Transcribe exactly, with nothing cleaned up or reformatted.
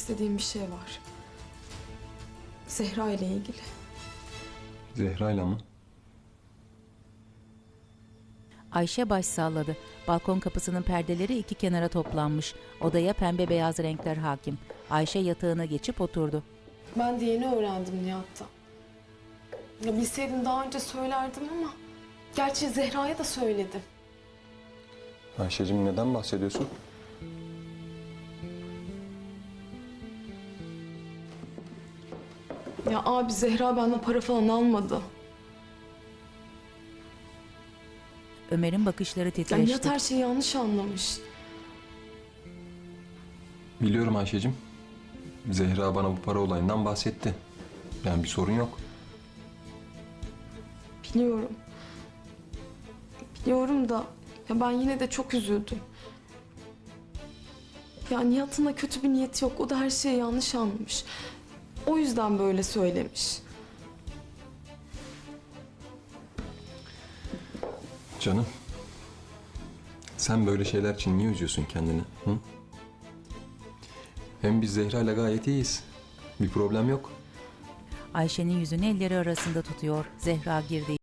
istediğim bir şey var. Zehra ile ilgili. Zehra'yla mı? Ayşe baş salladı. Balkon kapısının perdeleri iki kenara toplanmış. Odaya pembe beyaz renkler hakim. Ayşe yatağına geçip oturdu. Ben de yeni öğrendim Nihat'tan. Ya bilseydim daha önce söylerdim ama... Gerçi Zehra'ya da söyledim. Ayşe'cim neden bahsediyorsun? Ya abi Zehra benden para falan almadı. Ömer'in bakışları Ya titreşti. Nihat her şeyi yanlış anlamış. Biliyorum Ayşe'cim. Zehra bana bu para olayından bahsetti. Yani bir sorun yok. Biliyorum. Biliyorum da ya ben yine de çok üzüldüm. Ya Nihat'ın da kötü bir niyeti yok. O da her şeyi yanlış anlamış. O yüzden böyle söylemiş. Canım. Sen böyle şeyler için niye üzüyorsun kendini? Hı? Hem biz Zehra'yla gayet iyiyiz. Bir problem yok. Ayşe'nin yüzünü elleri arasında tutuyor. Zehra girdi.